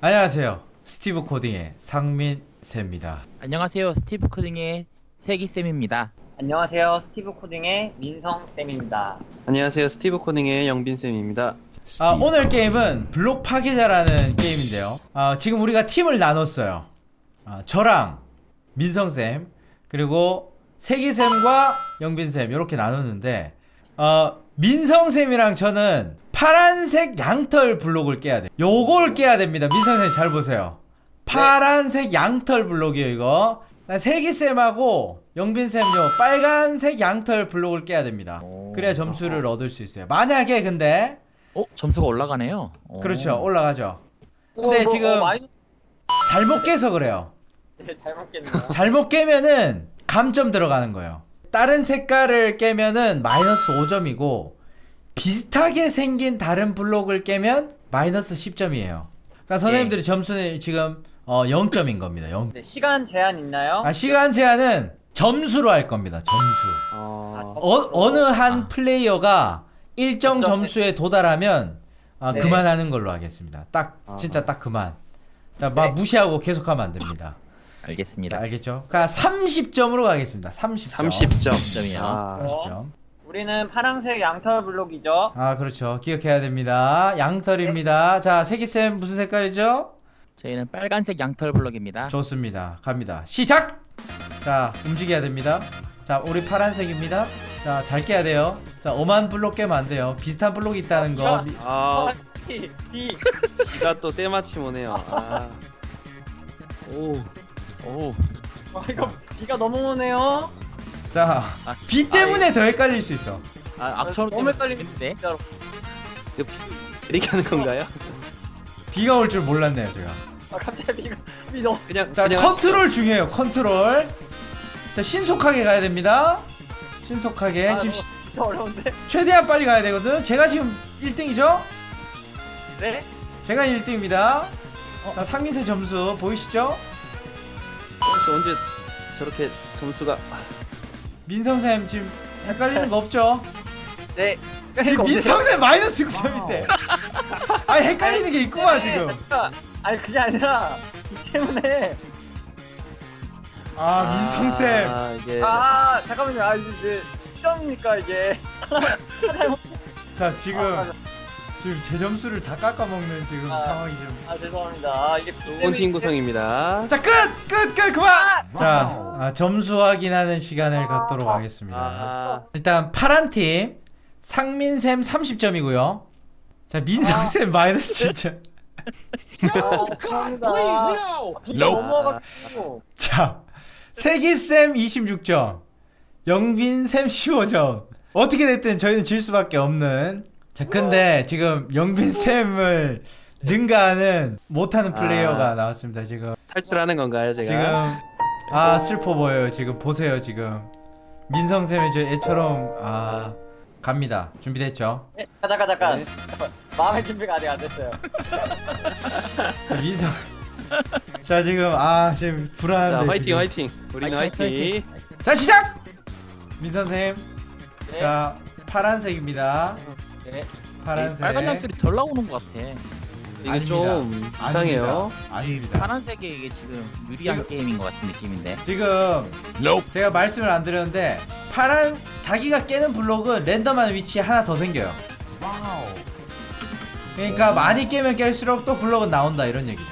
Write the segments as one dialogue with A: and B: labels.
A: 안녕하세요. 스티브 코딩의 상민쌤입니다.
B: 안녕하세요. 스티브 코딩의 세기쌤입니다.
C: 안녕하세요. 스티브 코딩의 민성쌤입니다.
D: 안녕하세요. 스티브 코딩의 영빈쌤입니다.
A: 오늘 게임은 블록 파괴자라는 게임인데요. 지금 우리가 팀을 나눴어요. 저랑 민성쌤 그리고 세기쌤과 영빈쌤 이렇게 나눴는데 민성쌤이랑 저는 파란색 양털 블록을 깨야 돼. 요걸 깨야 됩니다. 민성쌤 잘 보세요. 파란색 양털 블록이에요 이거. 세기쌤하고 영빈쌤 요 빨간색 양털 블록을 깨야 됩니다. 그래야 점수를 얻을 수 있어요. 만약에 근데
B: 점수가 올라가네요.
A: 그렇죠, 올라가죠. 근데 지금 잘못 깨서 그래요.
C: 네, 잘못 깼네요.
A: 잘못 깨면은 감점 들어가는 거예요. 다른 색깔을 깨면은 마이너스 5점이고 비슷하게 생긴 다른 블록을 깨면 마이너스 10점이에요. 그러니까 선생님들이 점수는 지금 0점인 겁니다. 0.
C: 네, 시간 제한 있나요?
A: 시간 제한은 점수로 할 겁니다. 점수. 어느 한 플레이어가 일정 점수에 도달하면
C: 네.
A: 그만하는 걸로 하겠습니다. 딱 진짜 딱 그만. 자, 막 무시하고 계속하면 안 됩니다.
B: 알겠습니다.
A: 자, 알겠죠? 그러니까 30점으로 가겠습니다. 30점.
D: 30점.
B: 점이요.
A: 30점.
C: 우리는 파란색 양털 블록이죠.
A: 그렇죠. 기억해야 됩니다. 양털입니다. 자, 세기쌤 무슨 색깔이죠?
B: 저희는 빨간색 양털 블럭입니다.
A: 좋습니다. 갑니다. 시작! 자, 움직여야 됩니다. 자, 우리 파란색입니다. 자, 잘 깨야 돼요. 자, 오만 블록 깨면 안 돼요. 비슷한 블록이 있다는 거.
C: B.
D: 비가 또 때마침 오네요.
B: 오.
C: 이거 B가 너무 오네요.
A: 자, 비 때문에 더 헷갈릴 수 있어.
B: 악천후
C: 너무
B: 때문에
C: 헷갈리네.
B: 재밌는데.
C: 진짜로.
D: 이렇게 하는 건가요?
A: 비가 올 줄 몰랐네요, 제가.
C: 갑자기 B 너무.
A: 자,
D: 그냥
A: 컨트롤 중요해요. 컨트롤. 자, 신속하게 가야 됩니다. 신속하게. 지금
C: 진짜 어려운데.
A: 최대한 빨리 가야 되거든. 제가 지금 1등이죠?
C: 네?
A: 제가 1등입니다. 자, 상민세 점수 보이시죠?
D: 언제 저렇게 점수가
A: 민성쌤 지금 헷갈리는 거 없죠?
C: 네.
A: 지금 민성쌤 마이너스 9점인데. 아니, 헷갈리는 게 있구만 지금.
C: 잠깐. 아니 그게 아니라 이 때문에.
A: 민성쌤.
D: 이게
C: 잠깐만요. 이제 시점이니까 이게.
A: 자, 지금 제 점수를 다 깎아먹는 지금 상황이 좀.
C: 죄송합니다. 이게
D: 좋은 팀 구성입니다.
A: 자, 끝 그만. 자, 점수 확인하는 시간을 갖도록 하겠습니다. 일단 파란 팀 상민쌤 30점이고요. 자, 민성쌤 마이너스 진짜.
C: 죄송합니다. 넘어가지고.
A: 자, 세기쌤 26점, 영빈쌤 15점. 어떻게 됐든 저희는 질 수밖에 없는. 자, 근데 지금 영빈쌤을 능가하는 못하는 플레이어가 나왔습니다. 지금
D: 탈출하는 건가요, 제가?
A: 지금 슬퍼 보여요. 지금 보세요. 지금 민성쌤이 저 애처럼 갑니다. 준비됐죠?
C: 네, 잠깐.
D: 네.
C: 마음의 준비가 아직 안 됐어요.
A: 민성. 자, 지금 지금 불안한데.
D: 자, 화이팅. 우리는 화이팅.
A: 자, 시작. 민선쌤.
C: 네.
A: 자, 파란색입니다.
C: 네.
A: 파란색.
B: 빨간 양털이 덜 나오는 것 같아.
D: 이게
A: 아닙니다.
D: 좀 이상해요.
A: 아닙니다.
B: 파란색이 이게 지금 유리한
A: 지금-
B: 게임인 것 같은 느낌인데.
A: 지금 제가 말씀을 안 드렸는데 자기가 깨는 블록은 랜덤한 위치에 하나 더 생겨요. 그러니까 많이 깨면 깰수록 또 블록은 나온다 이런 얘기죠.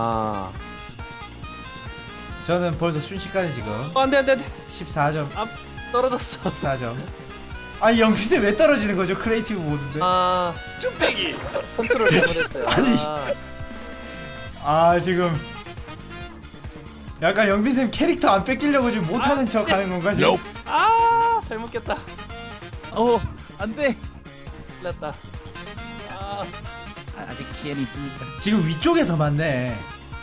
A: 저는 벌써 순식간에 지금
D: 안돼
A: 14점.
D: 떨어졌어.
A: 14점. 영빈쌤 왜 떨어지는 거죠? 크리에이티브 모드인데.
D: 쭈빼기 컨트롤 잘못했어요.
A: 아니. 지금 약간 영빈쌤 캐릭터 안 뺏기려고 지금 못하는 척 하는 건가 지금?
D: 잘못 깼다.
B: 안돼.
D: 났다.
B: 아직 기회는 있으니까.
A: 지금 위쪽에 더 많네.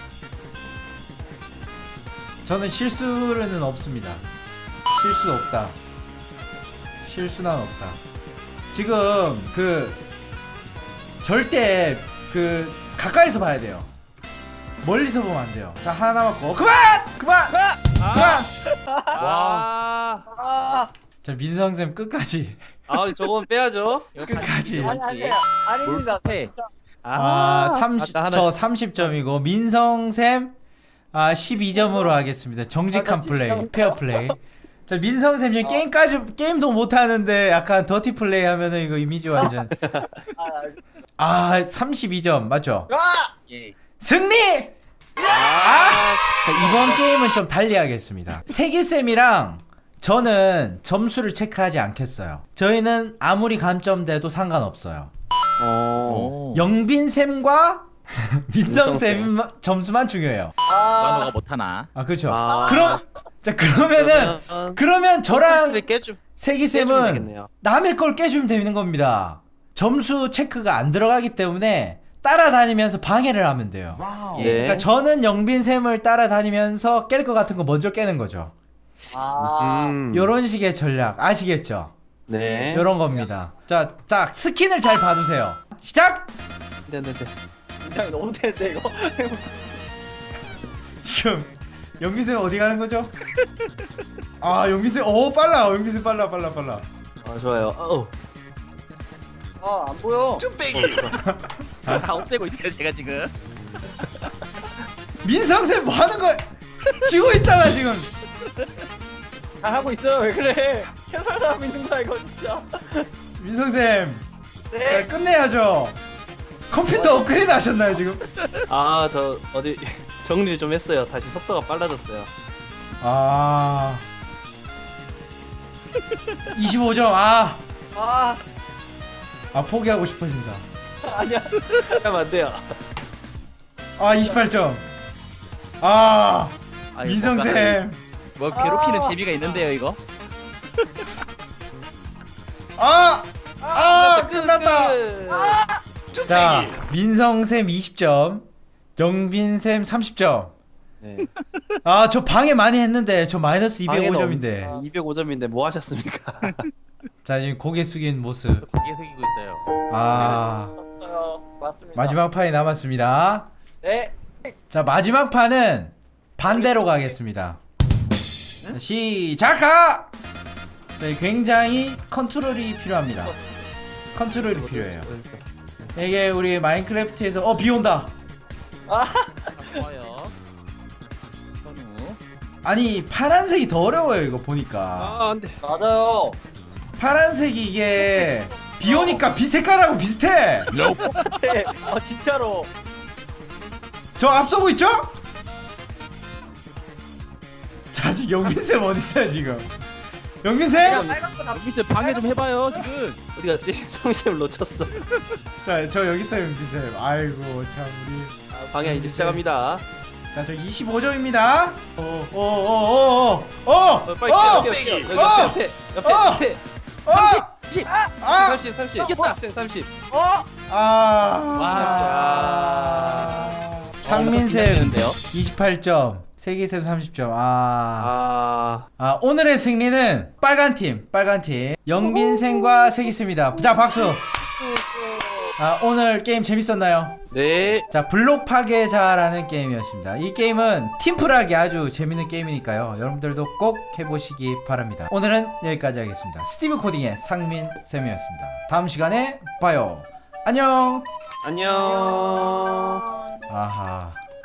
A: 저는 실수는 없습니다. 실수 없다. 실수는 없다. 지금 절대 가까이서 봐야 돼요. 멀리서 보면 안 돼요. 자, 하나 남았고 그만. 자, 민성쌤 끝까지.
D: 저건 빼야죠.
A: 끝까지.
C: 아닙니다.
B: 몰수패.
A: 30,
D: 아까 하나-
A: 저 30점이고 민성쌤 12점으로 하겠습니다. 정직한
C: 아까
A: 플레이,
C: 12점.
A: 페어 플레이. 자, 민성쌤 지금 게임도 못 하는데 약간 더티 플레이 하면은 이거 이미지 완전.
C: 아,
A: 32점 맞죠?
B: 예.
A: 승리! 자, 이번 게임은 좀 달리 하겠습니다. 세기쌤이랑 저는 점수를 체크하지 않겠어요. 저희는 아무리 감점돼도 상관없어요.
B: 오.
A: 영빈쌤과 민성쌤 점수만 중요해요.
B: 만호가 못하나?
A: 그렇죠.
D: 아.
A: 그러면 저랑
D: 깨주면
A: 세기쌤은
D: 되겠네요.
A: 남의 걸 깨주면 되는 겁니다. 점수 체크가 안 들어가기 때문에 따라다니면서 방해를 하면 돼요.
D: 예.
A: 그러니까 저는 영빈쌤을 따라다니면서 깰 것 같은 거 먼저 깨는 거죠. 요런 식의 전략 아시겠죠?
D: 네.
A: 요런 겁니다. 자, 스킨을 잘 봐주세요. 시작!
D: 네네네.
C: 굉장히 너무 되는데 이거.
A: 지금 영빈쌤 어디 가는 거죠? 영빈쌤 빨라. 영빈쌤 빨라.
D: 아 좋아요.
C: 안 보여.
B: 다 없애고 있어요 제가 지금.
A: 민성쌤 뭐 하는 거야? 지고 있잖아 지금.
C: 잘 하고 있어요. 왜 그래? 캐설 하고 있는 거야 이거 진짜.
A: 민성쌤
C: 네.
A: 자, 끝내야죠. 컴퓨터 업그레이드 하셨나요 지금?
D: 저 어제 정리를 좀 했어요. 다시 속도가 빨라졌어요.
A: 25점
C: 아,
A: 포기하고 싶어진다.
C: 아니야.
D: 하면 안 돼요.
A: 28점.
B: 아이고,
A: 민성쌤.
B: 뭐 괴롭히는 재미가 있는데요 이거.
A: 끝났다. 자, 민성쌤 20점, 영빈쌤 30점.
D: 네.
A: 저 방해 많이 했는데 저 마이너스 205점인데.
D: 205점인데 뭐 하셨습니까?
A: 자, 지금 고개 숙인 모습.
B: 그래서 고개 숙이고 있어요.
C: 맞습니다.
A: 마지막 판이 남았습니다.
C: 네.
A: 자, 마지막 판은 반대로 가겠습니다. 자, 시작하! 네, 굉장히 컨트롤이 필요합니다. 컨트롤이 필요해요. 이게 우리 마인크래프트에서 비 온다.
B: 좋아요. 선우.
A: 아니 파란색이 더 어려워요 이거 보니까.
D: 안 돼.
C: 맞아요.
A: 파란색이 이게 비 오니까 빛 색깔하고 비슷해.
C: 네. 진짜로.
A: 저 앞서고 있죠? 자, 지금 영빈쌤 어딨어요 지금? 영빈쌤?
B: 여기서 방해 좀 해봐요 지금.
D: 어디 갔지? 성심을 놓쳤어.
A: 자, 저 여기 있어요 영빈쌤. 아이고 참 우리.
D: 방향 이제 시작합니다.
A: 자, 저 25점입니다.
D: 빨리 뛰어. 여기 옆에. 옆에. 30. 30. 이겼다. 30.
A: 상민쌤
B: 되는데요.
A: 28점, 세기쌤 30점.
D: 아.
A: 오늘의 승리는 빨간 팀. 영빈쌤과 세기쌤입니다. 자, 박수. 오늘 게임 재밌었나요?
D: 네.
A: 자, 블록 파괴자라는 게임이었습니다. 이 게임은 팀플하기 아주 재밌는 게임이니까요. 여러분들도 꼭 해보시기 바랍니다. 오늘은 여기까지 하겠습니다. 스티브 코딩의 상민쌤이었습니다. 다음 시간에 봐요. 안녕.
D: 안녕.
A: 아하.